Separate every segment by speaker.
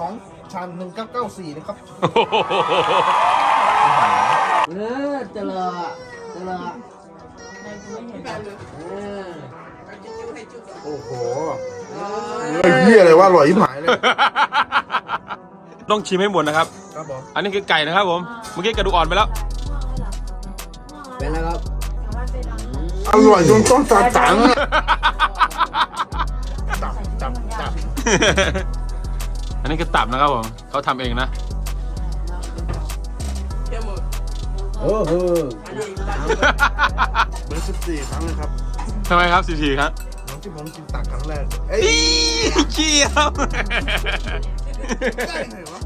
Speaker 1: ของชาน1994นะครับ
Speaker 2: เจริญ
Speaker 1: โอ้โหไอ้เหี้ยอะไรวะอร่อยที่หายเลย
Speaker 3: ต้องชิมให้หมดนะครับ
Speaker 1: ครับผม
Speaker 3: อันนี้คือไก่นะครับผมเมื่อกี้กระดูกอ่อนไปแล้ว
Speaker 2: เป็นแล้วครับ
Speaker 1: อร่อยจนต้องตาจังจับ
Speaker 3: อันนี้คือตับนะครับผมเขาทำเองนะ
Speaker 2: โอ้โห
Speaker 1: เบอร์14ครั้งเลยครับ
Speaker 3: ทำไมครับ14ครับ
Speaker 1: น้องที่ผมกินตักครั้งแรกเอ้ย
Speaker 3: เกียว
Speaker 1: ได้ไงวะ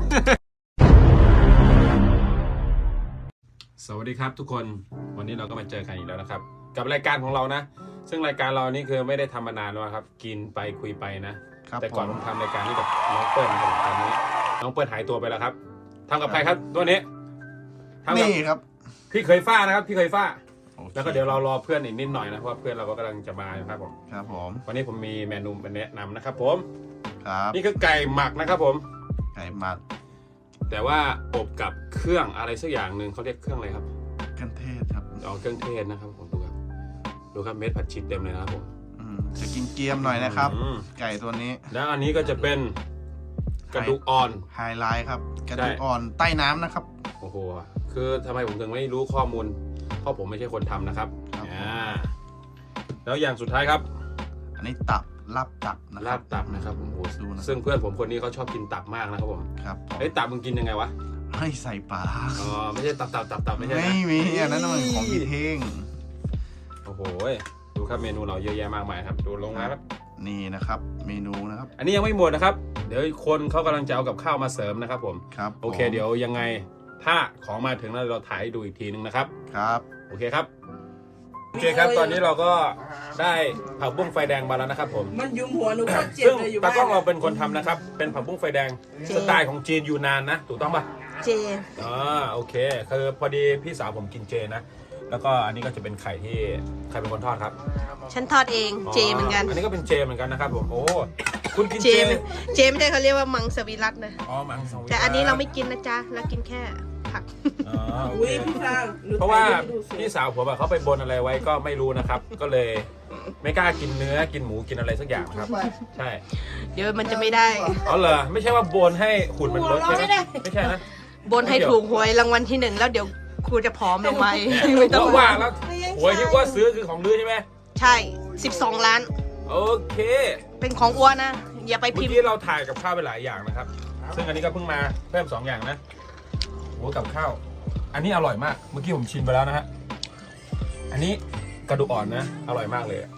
Speaker 3: สวัสดีครับทุกคนวันนี้เราก็มาเจอกันอีกแล้วนะครับกับรายการของเรานะซึ่งรายการเรานี่คือไม่ได้ทำมานานแล้วครับกินไปคุยไปนะแต่ก่อนผมทำรายการนี้กับน้องเปิ้ลครับตอนนี้น้องเปิ้ลหายตัวไปแล้วครับทำกับใครครับตัวนี้ทำกับ
Speaker 1: นี่ครับ
Speaker 3: พี่เคยฟ้านะครับพี่เคยฟ้าแล้วก็เดี๋ยวเรารอเพื่อนอีกนิดหน่อยนะเพราะเพื่อนเราก็กำลังจะมาครับผม
Speaker 1: ครับผม
Speaker 3: วันนี้ผมมีเมนูมาแนะนำนะครับผม
Speaker 1: ครับ
Speaker 3: นี่คือไก่หมักนะครับผม
Speaker 1: ไก่หมัก
Speaker 3: แต่ว่าอบกับเครื่องอะไรสักอย่างหนึ่งเขาเรียกเครื่องอะไรครับ
Speaker 1: เครื่องเทศครับ
Speaker 3: อ๋อเครื่องเทศนะครับผมดูครับเม็ดผัดชีเต็มเลยนะครับผม
Speaker 1: จะกินเกี๊ยมหน่อยนะครับ
Speaker 3: อืม
Speaker 1: ไก่ตัวนี้
Speaker 3: แล้วอันนี้ก็จะเป็นกระดูกอ่อน
Speaker 1: ไฮไลท์ครับกระดูกอ่อนใต้น้ำนะครับ
Speaker 3: โอ้โหคือทำไมผมถึงไม่รู้ข้อมูลเพราะผมไม่ใช่คนทำนะครับ
Speaker 1: ครับ
Speaker 3: แล้วอย่างสุดท้ายครับ
Speaker 1: อันนี้ตับลาบตับนะค
Speaker 3: ลา
Speaker 1: รับบ
Speaker 3: ตับนะครับผมโอ้โห
Speaker 1: ดูนะ
Speaker 3: ซึ่งเพื่อนผมคนนี้เขาชอบกินตับมากนะครับผม
Speaker 1: ครับผม
Speaker 3: เอ้ยตับมึงกินยังไงวะ
Speaker 1: ให้ใส่ปลาร้า
Speaker 3: อ๋อไม่ใช่ตับไม่ใช่นะ
Speaker 1: ไม่มีอันนั้นมันของพี่เท่ง
Speaker 3: โอ้โหดูครับเมนูเราเยอะแยะมากมายครับดูลงมาครับ
Speaker 1: นี่นะครับเมนูนะครับ
Speaker 3: อันนี้ยังไม่หมดนะครับเดี๋ยวคนเขากำลังจะเอากับข้าวมาเสริมนะครับผม
Speaker 1: ครับ
Speaker 3: โอเคเดี๋ยวยังไงถ้าของมาถึงแล้วเราถ่ายให้ดูอีกทีนึงนะครับ
Speaker 1: ครับ
Speaker 3: โอเคครับโอเคครับตอนนี้เราก็ได้ผักบุ้งไฟแดงมาแล้วนะครับผม
Speaker 4: มันยุมหัวหนูก็เจ็บ
Speaker 3: ซึ่ง
Speaker 4: เลยอยู่
Speaker 3: ตา
Speaker 4: บ้าน
Speaker 3: กล้องเราเป็นคนทำนะครับ เป็นผักบุ้งไฟแดงสไตล์ของจีนยูนานนะ ถูกต้องปะ
Speaker 4: เจ
Speaker 3: โอเค คือพอดีพี่สาวผมกินเจนะ แล้วก็อันนี้ก็จะเป็นไข่ที่ใครเป็นคนทอดครับ
Speaker 5: ฉันทอดเองเจเหมือนกัน
Speaker 3: อันนี้ก็เป็นเจเหมือนกันนะครับผม โอ้ คุณกิน
Speaker 5: เจ
Speaker 3: เจ
Speaker 5: เจไม่ใช่เขาเรียกว่ามังสวิรัตนะ
Speaker 3: อ๋อมังสวิรัติ
Speaker 5: แต่อันนี้เราไม่กินนะจ๊ะเรากินแค่ผัก
Speaker 3: อ๋อโอ
Speaker 4: อุ้
Speaker 3: เค
Speaker 4: ยพี่ฟางหนู
Speaker 3: เพราะว่า
Speaker 4: ถ่ยให้ดูสิ
Speaker 3: พี่สาวผมอะเขาไปบนอะไรไว้ก็ไม่รู้นะครับ ก็เลยไม่กล้ากินเนื้อกินหมูกินอะไรสักอย่างครับ ใช่
Speaker 5: เดี๋ยวมันจะไม่ได้
Speaker 3: อ๋อเหรอไม่ใช่ว่าบนให้หุ่นมันลดใช่ไหมไม่ใช่นะ
Speaker 5: บนให้ถูกหวยรางวัลที่1แล้วเดี๋ยวครูจะผอมลงไปไม่ต้อง
Speaker 3: ว่าแล้วหวยที่ว่าซื้อคือของลือใช่ไหม
Speaker 5: ใช่12 ล้าน
Speaker 3: โอเค
Speaker 5: เป็นของอ้วนนะ อย่าไป
Speaker 3: เมื่
Speaker 5: พิ
Speaker 3: อ
Speaker 5: มพ์
Speaker 3: กี้เราถ่ายกับข้าวไปหลายอย่างนะครับ ซึ่งอันนี้ก็เพิ่งมาเพิ่ม2อย่างนะโอ้กับข้าวอันนี้อร่อยมากเมื่อกี้ผมชิมไปแล้วนะฮะอันนี้กระดูกอ่อนนะอร่อยมากเลยอะ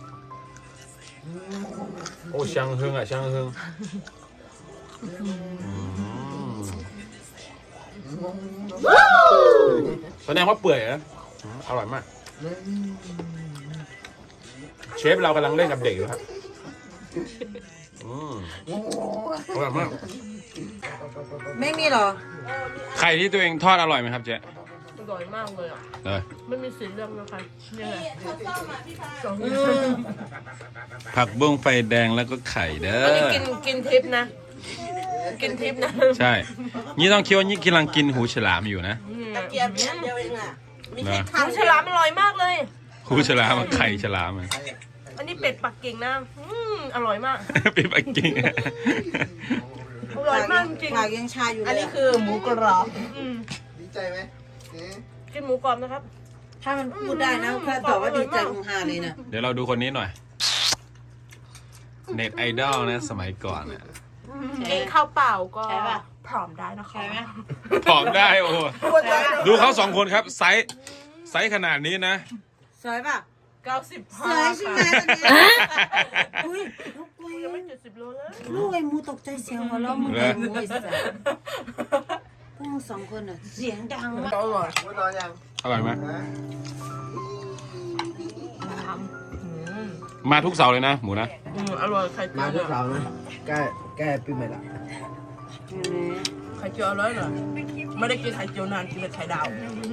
Speaker 3: โอ้ช่างเฮงอ่ะช่างเฮงแสดงว่าเปื่อยนะอร่อยมากเชฟเรากำลังเล่นกับเด็กอยู่ครับอร่อยมาก
Speaker 4: ไม่มีหรอ
Speaker 3: ไข่ที่ตัวเองทอดอร่อยไหมครับเจ๊
Speaker 5: อร่อยมากเลยอ่ะ
Speaker 3: เลย
Speaker 5: ไม่มีสีเรื่องนะคะนี่แหละ
Speaker 3: ผักบุ้งไฟแดงแล้วก็ไข่เด้
Speaker 5: อันนี้
Speaker 3: อ
Speaker 5: กินทิพย์นะ กินทิพย์นะ
Speaker 3: ใช่นี่ต้องคิดว่านี่กำลังกินหูฉลามอยู่นะ
Speaker 4: ตะเกียบเนี่ยเดียวเองอ่ะ
Speaker 3: นะ
Speaker 5: หมูฉลามอร่อยมากเลย
Speaker 3: หูฉลามกับไข่ฉลามอะ
Speaker 5: อันนี้เป็ดปักกิ่งนะอร่อยมาก
Speaker 3: เป็นปักกิ่งอะ
Speaker 5: อร่อยมากจริง
Speaker 4: ผักยังชาอยู่เลย
Speaker 5: อันนี้คือหมูกรอบอืม
Speaker 1: ดีใจไหม
Speaker 5: กินหมูกรอบนะครับ
Speaker 4: ถ้ามันพูดได้นะถ้าตอบว่าดีใจคงฮาเลยนะ
Speaker 3: เดี๋ยวเราดูคนนี้หน่อยเน็ตไอดอลนะสมัยก่อนเนี่ย
Speaker 5: กินข้าวเปล่าก็
Speaker 4: ใช่ป่ะ
Speaker 5: พร้อมได้นะคะ
Speaker 4: ใช่ไหม
Speaker 3: ผอมได้โอ้โหดูเขา2คนครับไซส์ขนาดนี้นะ
Speaker 4: สวยป่ะ
Speaker 5: 90
Speaker 4: สวยใช่ไหมวันนี้อุ้ยลูกกู
Speaker 5: ยังไม่70 โลเลย
Speaker 4: ลูกไอ้มูตกใจเสียงหัวเราะมึงไอ้มูไอ้สัสพวกมึง2คนอ่ะเสียงดังมาก
Speaker 5: อร่อย
Speaker 1: ไม่รอยัง
Speaker 3: อร่อยไหมมาทุกเสาร์เลยนะหมูนะ
Speaker 5: อร่อยไข่เจียว
Speaker 2: มาทุกเสาร์นะแก้ปีใหม่ละ
Speaker 5: ไข่เจียวอร่อยเหรอไม่ได้กินไข่เจียวนานกินแต่ไข่ดาว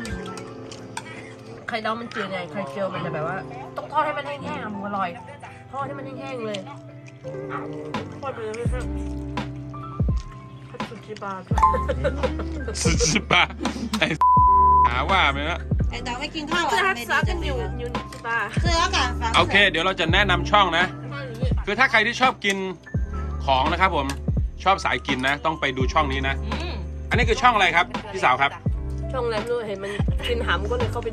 Speaker 5: ไข่ดาวมันจืดไงไข่เจียวมันจะแบบว่าต้องทอดให้มันแห้งๆอ่ะหมูอร่อยทอดให้มันแห้งๆเลยทอดไปเลยๆให้สุ
Speaker 3: 10 บาทไอ้หาว่าไหมนะ
Speaker 4: ไอ้ดาวไม่กินข้าว
Speaker 5: 这
Speaker 4: อ่ะ
Speaker 5: 还
Speaker 4: ไม่
Speaker 5: 啥
Speaker 4: ดีจั
Speaker 5: 跟
Speaker 4: งเล
Speaker 5: 牛
Speaker 4: ย
Speaker 5: 牛鸡巴？
Speaker 4: เสื้อกันฟัง
Speaker 3: โอเค เดี๋ยวเราจะแนะนำช่องนะ คือถ้าใครที่ชอบกินของนะครับผมชอบสายกินนะ ต้องไปดูช่องนี้นะ อันนี้คือช่องอะไรครับพี่สาวครับ
Speaker 5: ช่องอะไรไม่รู้เห็นมันกินหำก็เลยเข้าไปดู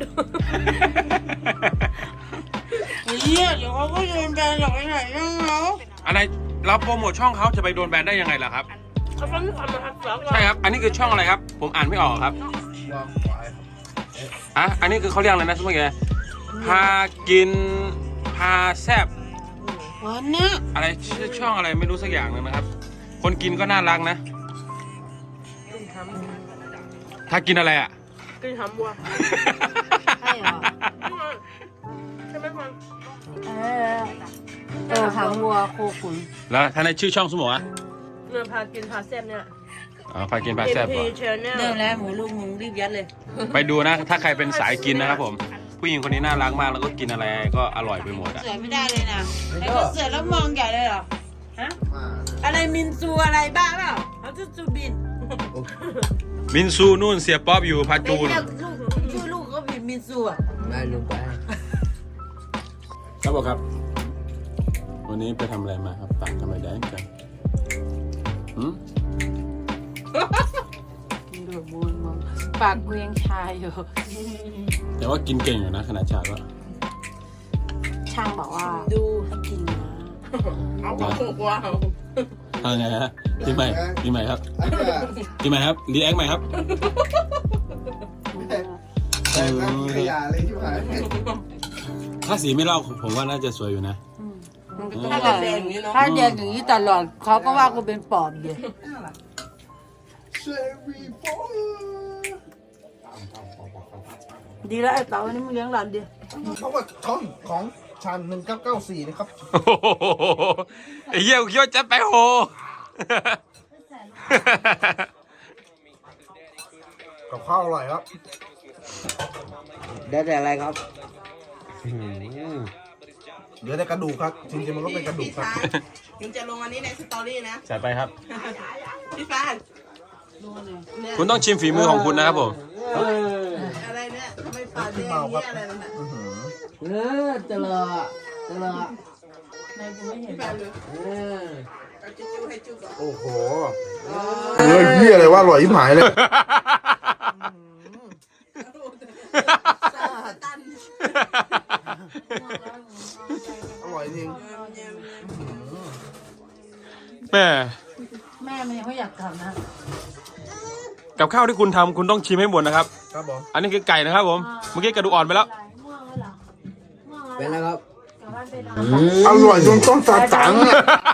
Speaker 4: เฮียเดี๋ยวเขาก็โยนแบนหรอกไอ้ไหนยังเขา
Speaker 3: อะไรเราโปรโมทช่องเขาจะไปโดนแบนได้ยังไงล่ะครับ
Speaker 5: เขาฟังทำมาทักษะ
Speaker 3: ใช่ครับ อันนี้คือช่องอะไรครับ ผมอ่านไม่ออกครับ
Speaker 2: วางขวาย
Speaker 3: อ่ะอันนี้คือเขาเรียกอะไรนะสมมติไงพากินพาแซบ
Speaker 4: วันเนี้ย
Speaker 3: อะไรชื่อช่องอะไรไม่รู้สักอย่างหนึงนะครับ คนกินก็น่ารักนะ
Speaker 5: กินห
Speaker 3: ถ้ากินอะไรอ่ะ
Speaker 5: ำกินหำวัว
Speaker 4: ใช่เหรอ
Speaker 5: ใช่ไหมฟัง
Speaker 4: หางวัวโคขุน
Speaker 3: แล้วถ้าในชื่อช่องสมมติอ่ะ
Speaker 5: เนี่ยพากินพาแซ่บเนี่ย
Speaker 3: อ๋อพากินพาแซบ
Speaker 5: MP
Speaker 3: เหรอ
Speaker 5: Channel
Speaker 4: เริ่มแล้วหมูลูกมึงรีบยัดเลย
Speaker 3: ไปดูนะ ถ้าใครเป็นสายกินนะครับผม ผู้หญิงคนนี้น่ารักมากแล้วก็กินอะไรก็อร่อยไปหมดอ่ะ
Speaker 4: เสือไม่ได้เลยนะไอ้ก็เสือแล้วมองใหญ่เลยเหรอฮะอะไรมินซูอะไรบ้าเปล่าเขาจะซูบิน
Speaker 3: มินซูนู่นเสียป๊อบอยู่พา
Speaker 4: ไป
Speaker 3: จูน
Speaker 4: เรียกลูกชื่อลูกก็ผิดมินซูอ่ะ
Speaker 2: ได้ลงไป
Speaker 3: ครับผมครับ วันนี้ไปทำอะไรมาครับปากทำไมแดงจังหืม
Speaker 4: ดูบูนมองปากกูยังชาอยู่
Speaker 3: แต่ว่ากินเก่งอยู่นะขนาดชาก็
Speaker 4: ช่างบอกว่าดูให้กินนะ
Speaker 5: เอาว้าว
Speaker 3: ทำไงฮะทีใหม่ทีใหม่ครับทีใหม่ครับรีแอคใหม่ครับ
Speaker 2: แต่น้ำขยะเลยที่ผ่าน
Speaker 3: ถ้าสีไม่เล่าผมว่าน่าจะสวยอยู่นะ
Speaker 5: ถ้าแดงอย่างนี้เนาะ
Speaker 4: ถ้าเดินอย่างนี้ตลอดเขาก็ว่ากูเป็นปอบอยู่
Speaker 2: เซวีโฟ
Speaker 4: ดีแล้วไอ้เต๋าวันนี้มึงเลี้ยงหลานดิ
Speaker 1: เพราะว่าช่องของชัน1994นะครับ
Speaker 3: โอ้โหไอ้เหี้ยกูคิดว่าจะไปโห
Speaker 1: กับข้าวอร่อยครับ
Speaker 2: ได้แต่อะไรครับ
Speaker 1: เหลือแต่กระดูกครับ จริงๆมันก็เป็นกระดูกครับ
Speaker 5: ยังจะลงอันนี้ในสตอรี่นะ
Speaker 3: จัดไปครับ
Speaker 5: พี่ฟาน
Speaker 3: คุณต้องชิมฝีมือของคุณนะครับผม
Speaker 5: อะไรเนี่ยทำไมปากแดงอย่างเงี้ยอะไรนั่นน่ะ
Speaker 1: อื้อหือ
Speaker 2: เจริญเจริญ
Speaker 5: พี่ฟานเลย เอาจิ้วให้จิ้วก่อน
Speaker 1: โอ้โหเนื้อเหี้ยอะไรว่าอร่อยที่หายเลย
Speaker 5: ตัน
Speaker 1: อร่อยจริง
Speaker 3: แม่
Speaker 4: แม่มันยังไม่อยากทำนะ
Speaker 3: กับข้าวที่คุณทำคุณต้องชิมให้หมดนะครับ
Speaker 1: ครับผม
Speaker 3: อันนี้คือไก่นะครับผม เมื่อกี้กระดูกอ่อนไปแล้ว
Speaker 2: เป็นแล้วครับ
Speaker 1: อร่อยจนต้องตัดตังค์อะ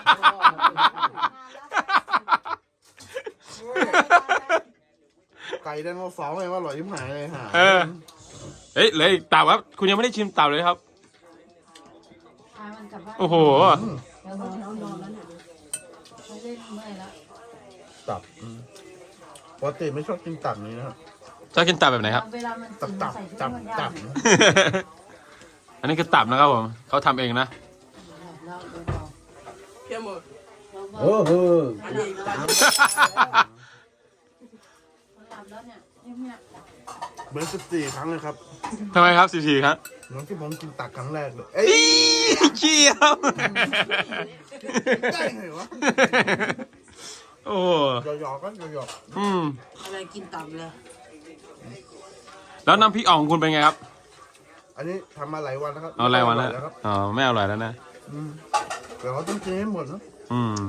Speaker 1: ไก่ไดโนเสาร์ไงว่าอร่อยที่หายเลยฮะ
Speaker 3: เออ เฮ้ยเหลยเต่าครับ คุณยังไม่ได้ชิมเต่าเลยครับ โอ้โห
Speaker 1: ตับปกติไม่ชอบกินตับนี้นะครับ
Speaker 3: ชอบกินตับแบบไหนครับ
Speaker 1: ตับ
Speaker 3: อันนี้คือตับนะครับผม เขาทำเองนะ
Speaker 5: เพี้ยหมด
Speaker 2: โอ้โห
Speaker 5: อันนี้ตัน
Speaker 1: เบอร์14ครั้งเลยครับ
Speaker 3: ทำไมครับ14ครับ
Speaker 1: น้องที่ผมกินตักครั้งแรกเลยเอ้ย
Speaker 3: เจี๊ยบ
Speaker 1: ได้ไงวะ
Speaker 3: โอ้
Speaker 1: หยอกๆก็หยอก
Speaker 3: อืม
Speaker 4: อะไรกินตับเลย
Speaker 3: แล้วน้ำพริกอ่องคุณเป็นไงครับ
Speaker 1: ๆอันนี้ทำมาหลายวันแล้วครับ
Speaker 3: เอาอะไรวันแล้ว
Speaker 1: ครับ
Speaker 3: อ๋อ ไม่อร่อยแล้วนะ
Speaker 1: เดี๋ยวเราต้องกินให้หมดนะ
Speaker 3: อืม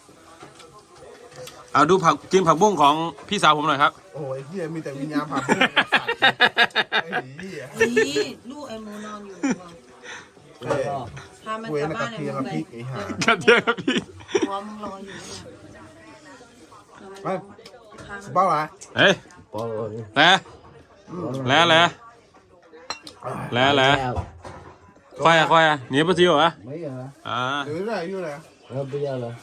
Speaker 3: เอาดูผักกินผักบุ้งของพี่สาวผมหน่อยครับ
Speaker 1: โอ้ยเฮียมีแต่วิญญาณผ่านพุ่งไอ้สัตว์ไอ้เฮีย
Speaker 4: นี่ลูกไอ้หมูนอนอยู่
Speaker 1: เฮ้ย
Speaker 4: พามัน
Speaker 1: เว
Speaker 4: กลั
Speaker 1: น
Speaker 4: บ
Speaker 1: ก
Speaker 4: บ้า
Speaker 1: ระ
Speaker 4: น
Speaker 1: เทียม
Speaker 4: เล
Speaker 1: กับ
Speaker 4: ย
Speaker 1: พริกไอ้ห่าก
Speaker 3: ระเทียมครับพี่
Speaker 4: หัวมึงรออยู่
Speaker 1: ไปบ้าละ
Speaker 3: เฮ้ย
Speaker 2: ปอล
Speaker 3: แล้วควายควายหนีไปสิวะ
Speaker 2: ไม่เหรอ
Speaker 3: อ่า
Speaker 1: หรืออะไรอยู่ไหน
Speaker 2: ไม่เอาเลย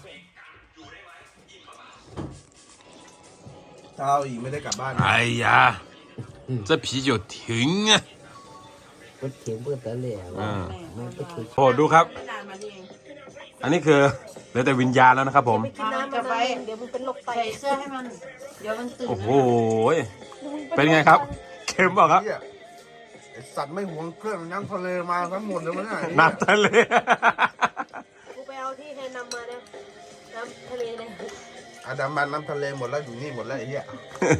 Speaker 1: เช้าอีกไม่ได้กลับบ้าน
Speaker 3: 哎呀，这啤酒停啊！
Speaker 2: ก็เขียนเพื่อแต่เหลี่ยมไม่ไปถึง
Speaker 3: โอ้ดูครับ
Speaker 5: ไม่นานมานี่เอง
Speaker 3: อันนี้คือเหลือแต่วิญญาณแล้วนะครับผม
Speaker 5: กินน้ำมานะ
Speaker 4: เดี๋ยวมึงเป็นโรคไตใส่เสื้อให้มันเดี๋ยวมันตื่น
Speaker 3: โอ้โหเป็นไงครับเค็มเปล่าครับ
Speaker 1: เหี้ยไอสัตว์ไม่หวงเครื่องน้ำทะเลมาทั้งหมดเลยมั้งเนี่ย
Speaker 3: น้ำทะเล
Speaker 4: กูไปเอาที่ให้นำมาเนี่ยน้ำทะเลเลย
Speaker 1: อาดามันน้ำทะเลหมดแล้วอยู่นี่หมดแล้วไอ้เหี้ย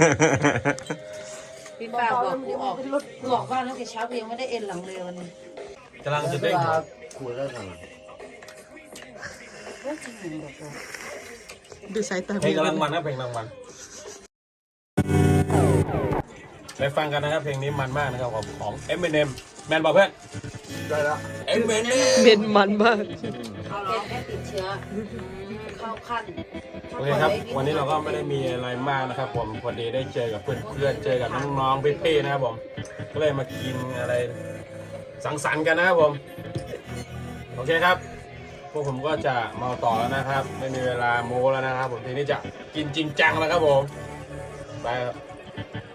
Speaker 4: พี่ป้าบอกกูออกกูออกบ้านตั้งแต่เช้ากูยังไม่ได้เอ็นหลังเลยวันนี้
Speaker 3: กำลังจะเด้ง
Speaker 2: คุยแล้วกัน
Speaker 5: ดูสายตา
Speaker 3: เพลงกำลังมันนะเพลงกำลังมันไปฟังกันนะครับเพลงนี้มันมากนะครับของ Eminem แมนบอกเพื่อน
Speaker 1: ได้แล้ว
Speaker 3: Eminem
Speaker 5: เป็นมันมาก
Speaker 4: เอาเหรอแค่ติดเชื้อเข้าขั้น
Speaker 3: โอเคครับวันนี้เราก็ไม่ได้มีอะไรมากนะครับผมพอดีได้เจอกับเพื่อนๆเจอกับน้องๆพี่ๆนะครับผมก็เลยมากินอะไรสังสรรค์กันนะครับผมโอเคครับพวกผมก็จะเมาต่อแล้วนะครับ ไม่มีเวลาโม้แล้วนะครับผมทีนี้จะกินจริงจังแล้วครับผมไปครับ